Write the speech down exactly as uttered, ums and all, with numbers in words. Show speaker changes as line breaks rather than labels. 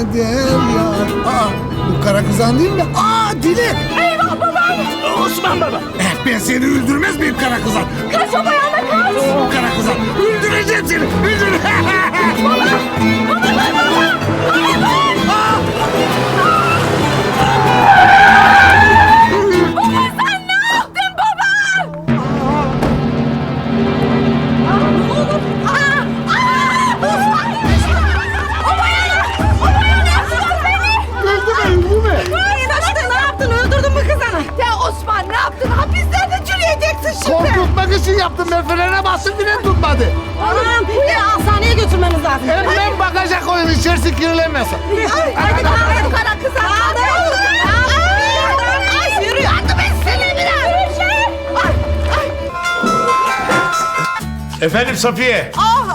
derya. Aa, bu kara kızan değil mi? Aa, Dilek.
Eyvah babaanne.
Osman baba.
Eh, ben seni öldürmez miyim kara kızan?
Kaç o bayana kaç.
Kara kızan, öldüreceğim seni. Öldür.
Baba. Baba baba. Hayır. Baba sen ne yaptın baba? Ne olur. Aa, aa, Osman. O bayana. O bayana yaptılar beni.
Öldürmeyin bu ne?
Hayır işte ne yaptın? Öldürdün mü kızını? Ya Osman ne yaptın? Hapislerde çürüyeceksin şimdi.
Korkutmak için yaptım ben. Frene bastım bile tutmadı.
Anam bir hastaneye götürmemiz lazım.
Hemen bagaja koyun içerisi kirlenmesin.
Hadi hadi kaldır kara kız. Kaldır. Ay yürü. Yardım etsene biraz. Ay ay.
Efendim Safiye.
Ah